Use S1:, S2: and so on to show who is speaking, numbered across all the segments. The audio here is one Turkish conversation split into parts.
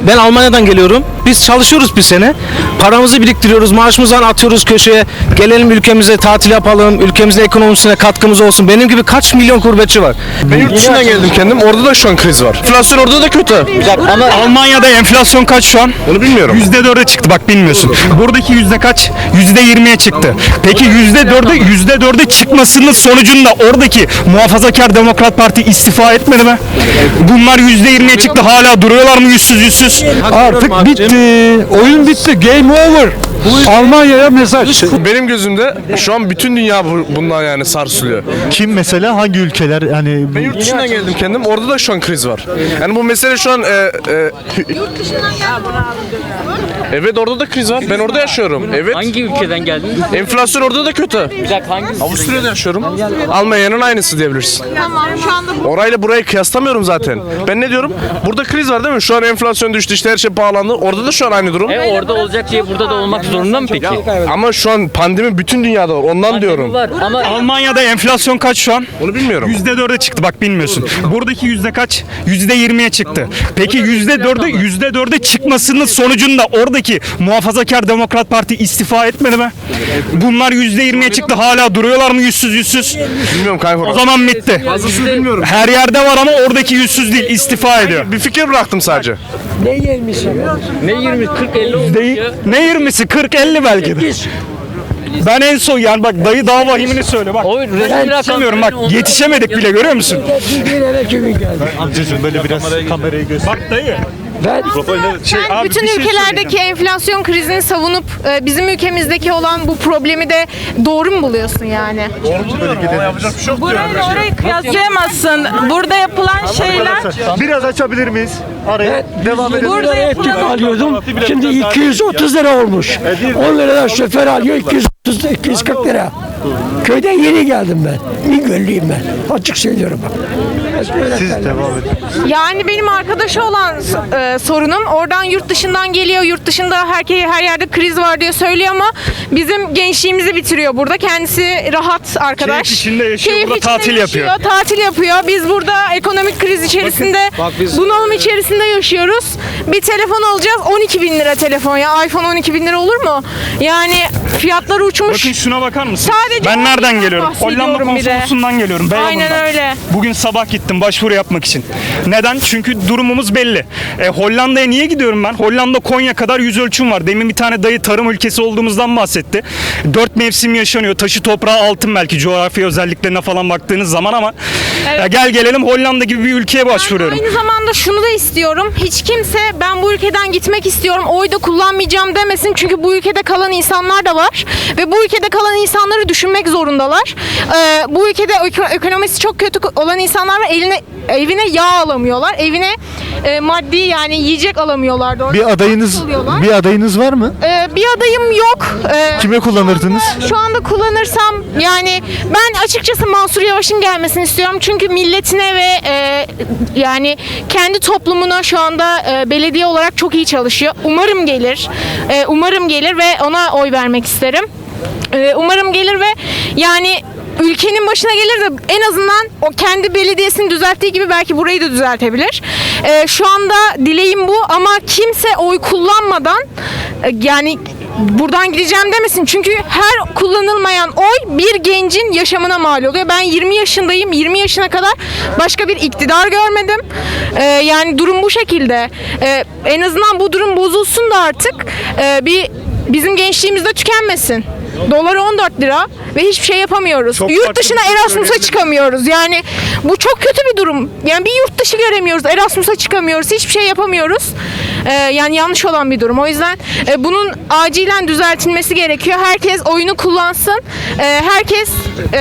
S1: Ben Almanya'dan geliyorum. Biz çalışıyoruz bir sene. Paramızı biriktiriyoruz. Maaşımızdan atıyoruz köşeye. Gelelim ülkemize tatil yapalım. Ülkemizin ekonomisine katkımız olsun. Benim gibi kaç milyon gurbetçi var.
S2: Ben yurt dışından geldim kendim. Orada da şu an kriz var. Enflasyon orada da kötü.
S3: Ama Almanya'da enflasyon kaç şu an?
S2: Onu bilmiyorum.
S3: %4'e çıktı, bak bilmiyorsun. Buradaki yüzde kaç? %20'ye çıktı. Peki %4'e çıkmasının sonucunda oradaki Muhafazakar Demokrat Parti istifa etmedi mi? Bunlar %20'ye çıktı, hala duruyorlar mı yüzsüz?
S4: Artık bitti. Oyun bitti. Game over. Almanya'ya mesaj.
S2: Benim gözümde şu an bütün dünya bundan yani sarsılıyor.
S5: Kim mesela, hangi ülkeler yani
S2: Ben yurt dışından geldim kendim. Orada da şu an kriz var. Yani bu mesele şu an evet, orada da kriz var. Ben orada yaşıyorum. Evet.
S6: Hangi ülkeden geldin?
S2: Enflasyon orada da kötü.
S6: Bir dakika hangi?
S2: Avusturya'da yaşıyorum. Almanya'nın aynısı diyebilirsin.
S7: Tamam şu anda
S2: Orayla burayı kıyaslamıyorum zaten. Ben ne diyorum? Burada kriz var değil mi? Şu an enflasyon düştü, işte her şey pahalandı. Orada da şu an aynı durum.
S6: Orada olacak diye burada da olmak zorunda mı peki?
S2: Ama şu an pandemi bütün dünyada var. Ondan diyorum.
S6: Var ama
S3: Almanya'da enflasyon kaç şu an?
S2: Onu bilmiyorum.
S3: %4'e çıktı, bak bilmiyorsun. Buradaki yüzde kaç? %20'ye çıktı. Peki %4'e çıkmasının sonucunda oradaki Muhafazakar Demokrat Parti istifa etmedi mi? Bunlar %20'ye çıktı, hala duruyorlar mı yüzsüz?
S2: Bilmiyorum kanka.
S3: O zaman bitti.
S2: Fazlasını bilmiyorum.
S3: Her yerde var ama oradaki yüzsüz değil, istifa ediyor.
S2: Bir fikir bıraktım sadece.
S6: ne 20 40 50 olmuş
S3: Değil,
S6: ya.
S3: ne 20'si? 40-50 belki de. Ben en son yani bak dayı daha vahimini söyle bak.
S6: O resmi
S3: Yetişemiyorum bak,
S6: rakam-
S3: yetişemedik bile, görüyor musun?
S5: amcacığım böyle biraz kamerayı göster.
S3: Bak dayı.
S7: sen
S3: abi,
S7: bütün
S3: bir şey
S7: ülkelerdeki enflasyon krizini savunup bizim ülkemizdeki olan bu problemi de doğru mu buluyorsun yani?
S8: Orayı kıyaslayamazsın. Burada yapılan şeyler
S5: Biraz açabilir miyiz? Araya devam edelim.
S8: burada yapılan
S4: alıyordum. Şimdi 230 lira olmuş. 10 liradan şoför alıyor 240 lira. Köyden yeni geldim ben. Bingöllüyüm ben. Açık söylüyorum bak.
S5: Siz devam edin.
S7: Yani benim arkadaşı olan sorunum oradan yurt dışından geliyor. Yurt dışında her yerde kriz var diye söylüyor ama bizim gençliğimizi bitiriyor burada. Kendisi rahat arkadaş.
S3: Keyif içinde yaşıyor,
S7: Keyif
S3: burada
S7: içinde
S3: tatil
S7: yaşıyor,
S3: yapıyor.
S7: Tatil yapıyor. Biz burada ekonomik kriz içerisinde, bunalım içerisinde yaşıyoruz. Bir telefon alacağız 12 bin lira telefon ya. iPhone 12 bin lira olur mu? Yani fiyatlar uçmuş.
S3: Bakın şuna bakar mısın?
S7: Sadece
S3: Ben nereden
S7: ondan
S3: geliyorum?
S7: bahsediyorum
S3: Hollanda
S7: bir de.
S3: konsolosundan geliyorum.
S7: Aynen
S3: Beyoğlu'ndan.
S7: öyle.
S3: Bugün sabah gittim başvuru yapmak için. Neden? Çünkü durumumuz belli. Hollanda'ya niye gidiyorum ben? Hollanda Konya kadar yüz ölçüm var. Demin bir tane dayı tarım ülkesi olduğumuzdan bahsetti. 4 mevsim yaşanıyor. Taşı toprağı altın belki coğrafi özelliklerine falan baktığınız zaman ama gel gelelim Hollanda gibi bir ülkeye başvuruyorum.
S7: Aynı zamanda şunu da istiyorum. Hiç kimse ben bu ülkeden gitmek istiyorum, oy da kullanmayacağım demesin. Çünkü bu ülkede kalan insanlar da var. Ve bu ülkede kalan insanları düşünmek zorundalar. Bu ülkede ekonomisi çok kötü olan insanlar var. Evine yağ alamıyorlar. Evine maddi yani yiyecek alamıyorlar. Doğru.
S5: Bir adayınız var mı?
S7: Bir adayım yok.
S5: Kime kullanırdınız?
S7: Şu anda kullanırsam yani ben açıkçası Mansur Yavaş'ın gelmesini istiyorum. Çünkü milletine ve yani kendi toplumuna şu anda belediye olarak çok iyi çalışıyor. Umarım gelir. Umarım gelir ve ona oy vermek isterim. Umarım gelir ve yani ülkenin başına gelir de en azından o kendi belediyesini düzelttiği gibi belki burayı da düzeltebilir. Şu anda dileğim bu ama kimse oy kullanmadan yani buradan gideceğim demesin. Çünkü her kullanılmayan oy bir gencin yaşamına mal oluyor. Ben 20 yaşındayım. 20 yaşına kadar başka bir iktidar görmedim. Yani durum bu şekilde. En azından bu durum bozulsun da artık bizim gençliğimizde tükenmesin. Dolar 14 lira ve hiçbir şey yapamıyoruz.
S3: Çok
S7: Yurt
S3: farklı
S7: dışına
S3: bir şey
S7: Erasmus'a
S3: söyledin.
S7: çıkamıyoruz. Yani bu çok kötü bir durum. Yani bir yurt dışı göremiyoruz. Erasmus'a çıkamıyoruz. Hiçbir şey yapamıyoruz. Yani yanlış olan bir durum. O yüzden bunun acilen düzeltilmesi gerekiyor. Herkes oyunu kullansın. Herkes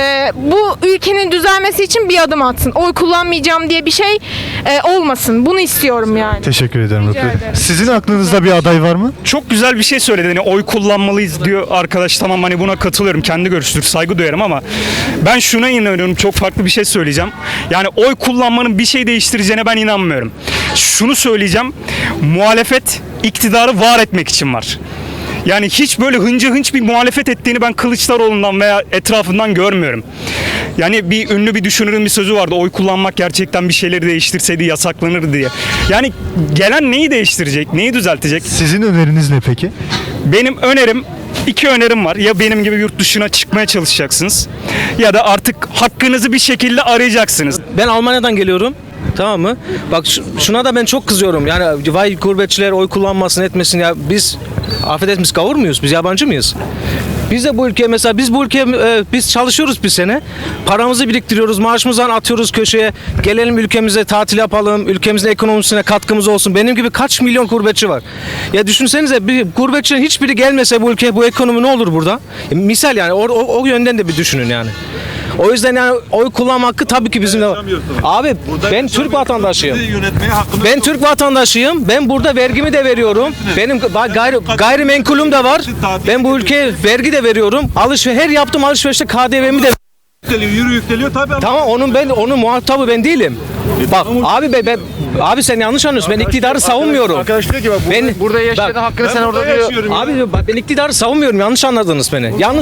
S7: bu ülkenin düzelmesi için bir adım atsın. Oy kullanmayacağım diye bir şey olmasın. Bunu istiyorum yani.
S5: Teşekkür ederim.
S7: Rica ederim.
S5: Sizin aklınızda bir aday var mı?
S3: Çok güzel bir şey söyledi. Hani oy kullanmalıyız diyor arkadaş. Tamam, hani buna katılıyorum. Kendi görüştür. Saygı duyarım ama ben şuna inanıyorum. Çok farklı bir şey söyleyeceğim. Yani oy kullanmanın bir şey değiştireceğine ben inanmıyorum. Şunu söyleyeceğim. Muhalefet iktidarı var etmek için var. Yani hiç böyle hınca hınç bir muhalefet ettiğini ben Kılıçdaroğlu'ndan veya etrafından görmüyorum. Yani bir ünlü bir düşünürün bir sözü vardı. Oy kullanmak gerçekten bir şeyleri değiştirseydi yasaklanır diye. Yani gelen neyi değiştirecek? Neyi düzeltecek?
S5: Sizin öneriniz ne peki?
S3: Benim önerim, iki önerim var. Ya benim gibi yurt dışına çıkmaya çalışacaksınız ya da artık hakkınızı bir şekilde arayacaksınız.
S1: Ben Almanya'dan geliyorum. Tamam mı? Bak şuna da ben çok kızıyorum. Yani vay gurbetçiler oy kullanmasın etmesin ya. Biz affedersiniz gavur muyuz? Biz yabancı mıyız? Biz de bu ülkeye mesela biz bu ülkeye biz çalışıyoruz bir sene. Paramızı biriktiriyoruz. Maaşımızdan atıyoruz köşeye. Gelelim ülkemize tatil yapalım. Ülkemizin ekonomisine katkımız olsun. Benim gibi kaç milyon gurbetçi var. Ya düşünsenize bir gurbetçinin hiçbiri gelmese bu ülkeye bu ekonomi ne olur burada? Misal yani o yönden de bir düşünün yani. O yüzden yani oy kullanma hakkı tabii ki bizim de var. Abi ben Türk vatandaşıyım. Ben Türk vatandaşıyım. Ben burada vergimi de veriyorum. Benim gayrimenkulüm de var. Ben bu ülkeye vergi de veriyorum. Her yaptığım alışverişte KDV'mi de
S5: Yükleniyor tabii.
S1: Tamam onun muhatabı ben değilim. Bak abi sen yanlış anlıyorsun. Ben iktidarı savunmuyorum.
S5: Arkadaş diyor ki bak
S6: Burada yaşadığın hakkını sen orada diyor.
S1: Abi bak ben iktidarı savunmuyorum. Yanlış anladınız beni. Yalnız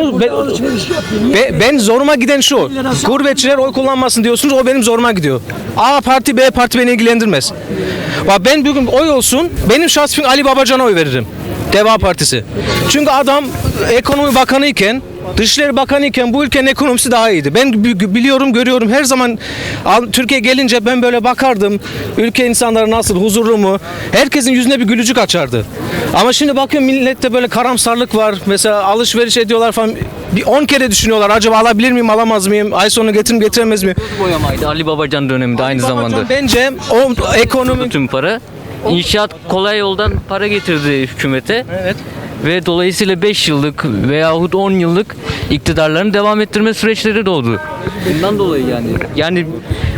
S1: ben zoruma giden şu. Gurbetçiler oy kullanmasın diyorsunuz. O benim zoruma gidiyor. A parti B parti beni ilgilendirmez. Bak ben bugün oy olsun. Benim şahsım Ali Babacan'a oy veririm. Deva Partisi. Çünkü adam ekonomi bakanı iken, Dışişleri Bakanı iken bu ülkenin ekonomisi daha iyiydi. Ben biliyorum, görüyorum. Her zaman Türkiye gelince ben böyle bakardım. Ülke insanları nasıl, huzurlu mu? Herkesin yüzüne bir gülücük açardı. Ama şimdi bakıyorum millette böyle karamsarlık var. Mesela alışveriş ediyorlar falan. Bir 10 kere düşünüyorlar. Acaba alabilir miyim, alamaz mıyım? Ay sonu getiremez miyim?
S6: Boyamaydı Ali Babacan döneminde aynı zamanda.
S1: Bence o ekonomi...
S6: Tüm para. İnşaat kolay yoldan para getirdi hükümete.
S1: Evet.
S6: Ve dolayısıyla 5 yıllık veyahut 10 yıllık iktidarlarını devam ettirme süreçleri doğdu. Bundan dolayı yani. Yani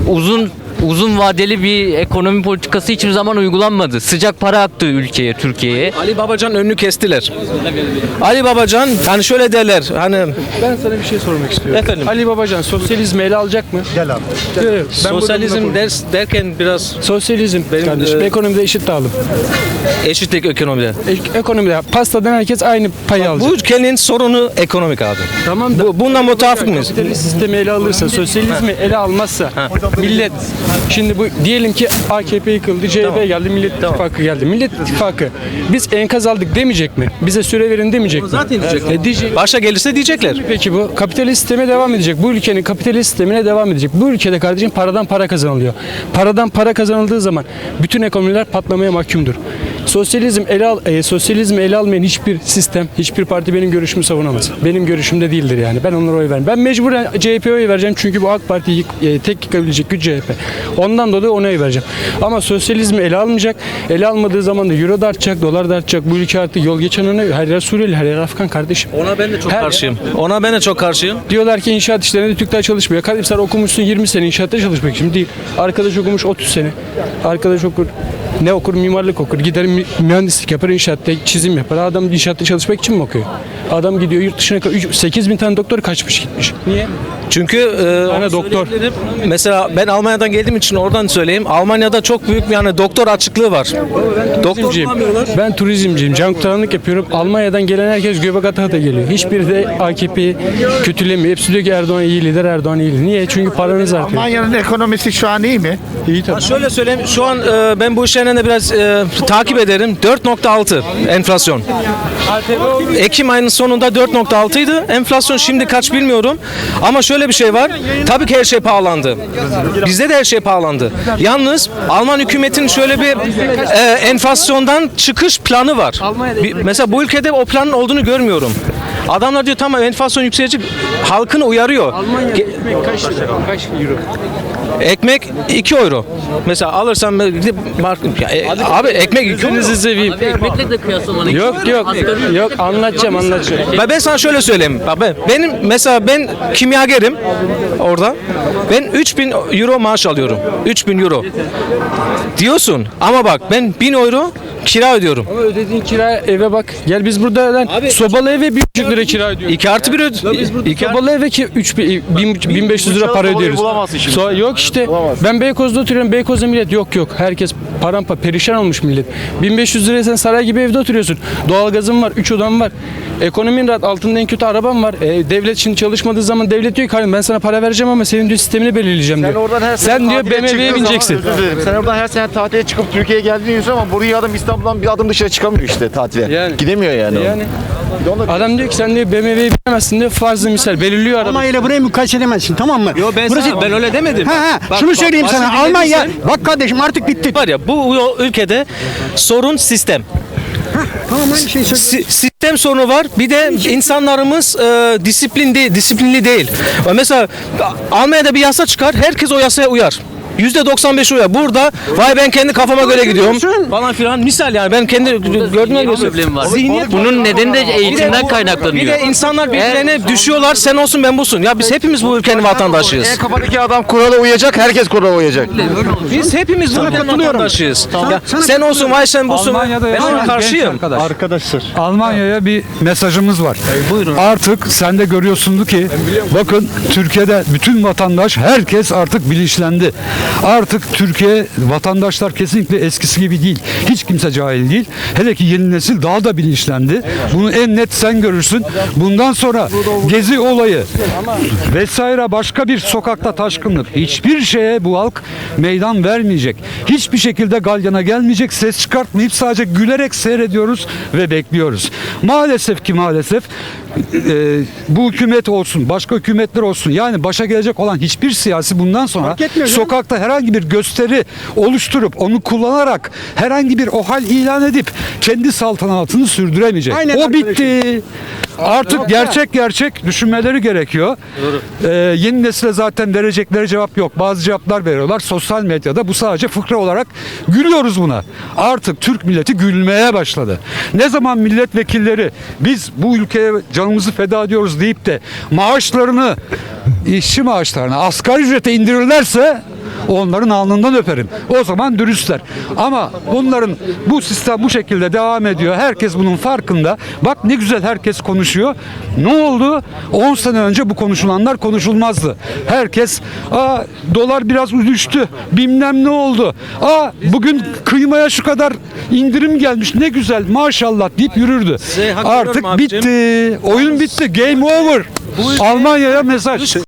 S6: uzun vadeli bir ekonomi politikası hiçbir zaman uygulanmadı. Sıcak para aktı ülkeye, Türkiye'ye.
S1: Ali Babacan önünü kestiler. Ali Babacan hani şöyle derler hani
S9: Ben sana bir şey sormak istiyorum.
S1: Efendim?
S9: Ali Babacan sosyalizmi ele alacak mı?
S5: Gel abi.
S1: sosyalizm derken biraz
S9: Sosyalizm kardeşim. Ekonomide eşit dağılım.
S1: eşitlik ekonomide.
S9: Ekonomide pastadan herkes aynı payı alacak.
S1: Bu ülkenin sorunu ekonomik abi.
S9: Tamam da
S1: Bundan mutabık mıyız?
S9: kapitalist sistemi ele alırsa, sosyalizmi ele almazsa millet şimdi bu diyelim ki AKP yıkıldı, CHP geldi, Millet İttifakı geldi. Millet İttifakı biz enkaz aldık demeyecek mi? Bize süre verin demeyecek mi?
S1: Zaten diyecekler.
S9: Diyecek.
S1: Başa gelirse diyecekler.
S9: Peki bu kapitalist sisteme devam edecek. Bu ülkenin kapitalist sistemine devam edecek. Bu ülkede kardeşim paradan para kazanılıyor. Paradan para kazanıldığı zaman bütün ekonomiler patlamaya mahkumdur. Sosyalizmi ele almayan hiçbir sistem, hiçbir parti benim görüşümü savunamaz. Benim görüşümde değildir yani. Ben onlara oy vermem. Ben mecburen CHP'ye oy vereceğim çünkü bu AK Parti'yi tek yıkabilecek güç CHP. Ondan dolayı ona oy vereceğim. Ama sosyalizmi ele almayacak. Ele almadığı zaman da euro da artacak, dolar da artacak. Bu ülke artık yol geçen her yer Suriyeli, her yer Afgan kardeşim.
S1: Ona ben de çok karşıyım. Ona ben de çok karşıyım.
S9: Diyorlar ki inşaat işlerinde Türkler çalışmıyor. Kardeşim sen okumuşsun 20 sene inşaatta çalışmak için değil. Arkadaş okumuş 30 sene. Arkadaş okur. Ne okur? Mimarlık okur. Gider mühendislik yapar, inşaatta çizim yapar. Adam inşaatta çalışmak için mi okuyor? Adam gidiyor yurt dışına 8.000 tane doktor kaçmış gitmiş. Niye?
S1: Çünkü
S9: doktor.
S1: Mesela ben Almanya'dan geldiğim için oradan söyleyeyim. Almanya'da çok büyük yani doktor açıklığı var. Doktor bulamıyorlar.
S9: Ben turizmciyim. Can kurtaranlık yapıyorum. Almanya'dan gelen herkes göbek ata geliyor. Hiçbiri de AKP'yi kötülemiyor. Hepsi diyor ki Erdoğan iyi lider, Erdoğan iyi lider. Niye? Çünkü paranız artıyor.
S5: Almanya'nın ekonomisi şu an iyi mi?
S9: İyi tabii.
S1: Şöyle söyleyeyim. Şu an ben bu işlerden de biraz takip ederim. 4.6 enflasyon. Ekim ayının sonunda 4.6 idi. Enflasyon şimdi kaç bilmiyorum. Ama şöyle bir şey var. Tabii ki her şey pahalandı. Bizde de her şey pahalandı. Yalnız Alman hükümetinin şöyle bir enflasyondan çıkış planı var. Mesela bu ülkede o planın olduğunu görmüyorum. Adamlar diyor tamam enflasyon yükselecek. Halkını uyarıyor.
S9: Kaç euro?
S1: Ekmek 2 euro. Mesela alırsam abi ekmek 2 euro.
S9: seveyim.
S6: Abi ekmekle de kıyaslamanı.
S9: Yok anlatacağım.
S1: Ben sana şöyle söyleyeyim. Ben kimyagerim orada. Ben 3.000 euro maaş alıyorum. 3.000 euro. Diyorsun ama bak ben 1.000 euro kira ödüyorum.
S9: Ama ödediğin kira eve bak. Gel biz burada lan sobalı eve 1,5 lira kira ödüyoruz.
S1: 2+1 ödüyorum.
S9: Sobalı eve ki 1500 lira para ödüyoruz. Yok işte. Ben Beykoz'da oturuyorum. Beykoz'da millet yok. Herkes parampa perişan olmuş millet. 1500 liraya sen saray gibi evde oturuyorsun. Doğalgazın var, 3 odan var. Ekonomin rahat, altında en kötü araban var. Devlet şimdi çalışmadığı zaman devlet diyor ki ben sana para vereceğim ama senin diyor sistemini belirleyeceğim diyor. Sen diyor BMW'ye bineceksin.
S5: Sen oradan her sene tatile çıkıp Türkiye'ye geldiğini diyorsun ama buraya adam İstanbul'dan bir adım dışarı çıkamıyor işte tatile.
S9: Yani.
S5: Gidemiyor yani.
S9: Adam diyor ki sen diyor BMW'ye binemezsin diyor. Farzı misal belirliyor araba.
S10: Almanya ile burayı mukayese edemezsin, tamam mı?
S1: Yo ben öyle demedim.
S10: Şunu söyleyeyim sana. Almanya bak kardeşim artık bitti.
S1: Var ya bu ülkede sorun sistem.
S10: Tamam aynı şeyi söylüyorum.
S1: Sistem sorunu var. Bir de insanlarımız disiplinli değil. Mesela Almanya'da bir yasa çıkar. Herkes o yasaya uyar. %95 uyar. Burada ben kendi kafama göre gidiyorum falan filan. Misal yani ben kendi gördüğüme göre
S6: problem var.
S1: Zihniyet
S6: Bunun nedeni de eğitimden kaynaklanıyor.
S1: Bir de insanlar birbirlerine düşüyorlar. Sen olsun ben busun. Ya biz hepimiz bu ülkenin vatandaşıyız.
S5: Kafadaki adam kurala uyacak, herkes kurala uyacak.
S1: Biz hepimiz bu ülkenin vatandaşıyız. Ya sen olsun sen busun. Ben ona karşıyım.
S11: Arkadaşlar Almanya'ya bir mesajımız var. Artık sen de görüyorsun ki bakın Türkiye'de bütün vatandaş herkes artık bilinçlendi. Artık Türkiye vatandaşlar kesinlikle eskisi gibi değil. Hiç kimse cahil değil. Hele ki yeni nesil daha da bilinçlendi. Bunu en net sen görürsün. Bundan sonra gezi olayı vesaire başka bir sokakta taşkınlık hiçbir şeye bu halk meydan vermeyecek. Hiçbir şekilde galyana gelmeyecek. Ses çıkartmayıp sadece gülerek seyrediyoruz ve bekliyoruz. Maalesef bu hükümet olsun, başka hükümetler olsun yani başa gelecek olan hiçbir siyasi bundan sonra sokakta herhangi bir gösteri oluşturup onu kullanarak herhangi bir OHAL ilan edip kendi saltanatını sürdüremeyecek. O bitti. Artık gerçek düşünmeleri gerekiyor. Yeni nesile zaten verecekleri cevap yok. Bazı cevaplar veriyorlar. Sosyal medyada bu sadece fıkra olarak gülüyoruz buna. Artık Türk milleti gülmeye başladı. Ne zaman milletvekilleri biz bu ülkeye canımızı feda ediyoruz deyip de maaşlarını, işçi maaşlarını asgari ücrete indirirlerse onların alnından öperim. O zaman dürüstler. Ama bunların bu sistem bu şekilde devam ediyor. Herkes bunun farkında. Bak ne güzel herkes konuşuyor. Ne oldu? 10 sene önce bu konuşulanlar konuşulmazdı. Herkes dolar biraz düştü. Bilmem ne oldu. Bugün kıymaya şu kadar indirim gelmiş. Ne güzel maşallah deyip yürürdü. Artık bitti. Oyun bitti. Game over. Almanya'ya mesaj.